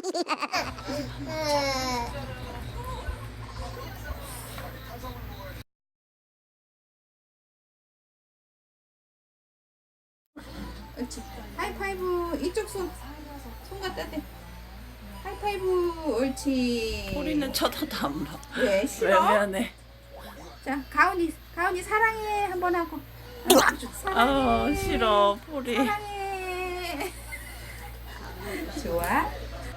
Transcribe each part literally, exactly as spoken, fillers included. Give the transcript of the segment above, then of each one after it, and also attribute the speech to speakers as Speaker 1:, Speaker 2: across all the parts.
Speaker 1: 옳지. 하이파이브. 이쪽 손. 손 갖다 대. 하이파이브. 옳지.
Speaker 2: 포리는 쳐다도 안 봐.
Speaker 1: 왜 싫어?
Speaker 2: 외면해.
Speaker 1: 자, 가은이, 가은이 사랑해 한번 하고.
Speaker 2: 아 싫어 포리.
Speaker 1: 사랑해. 좋아.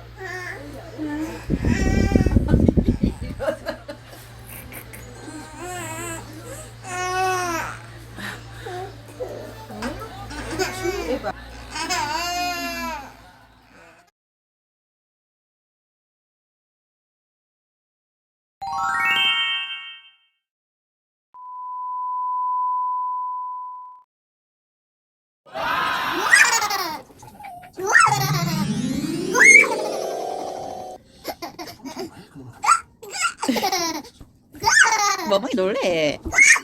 Speaker 2: 멍멍이 놀래.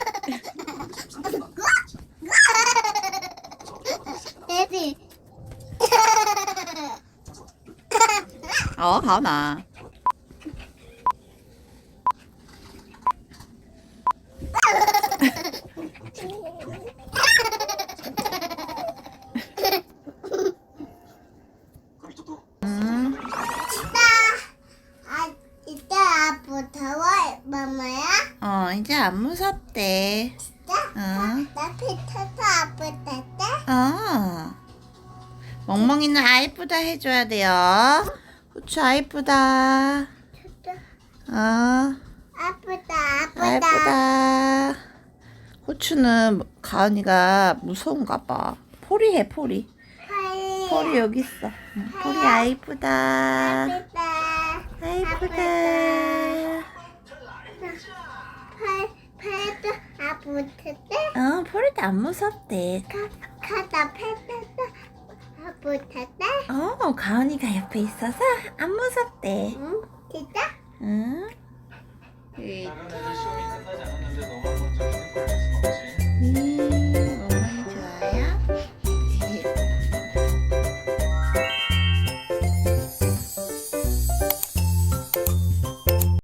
Speaker 2: 어 가은아. 음.
Speaker 3: 아, 이제 아프다워, 마마야?
Speaker 2: 어 이제 안 무섭대.
Speaker 3: 진짜?
Speaker 2: 어.
Speaker 3: 나 피터도 아프다대?
Speaker 2: 어. 멍멍이는 아이쁘다 해줘야 돼요. 후추 아이쁘다.
Speaker 3: 진짜?
Speaker 2: 어.
Speaker 3: 아프다, 아프다.
Speaker 2: 아이쁘다. 후추는 가은이가 무서운가 봐. 포리 해 포리.
Speaker 3: 팔,
Speaker 2: 포리 여기 있어. 응, 포리 아이쁘다.
Speaker 3: 아프다.
Speaker 2: 아이쁘다.
Speaker 3: 팔, 팔도 아프다대?
Speaker 2: 어 포리도 안 무섭대.
Speaker 3: 가, 가다 팔도 아프다대?
Speaker 2: 어 가은이가 옆에 있어서 안 무섭대.
Speaker 3: 응? 진짜?
Speaker 2: 응.
Speaker 1: 네.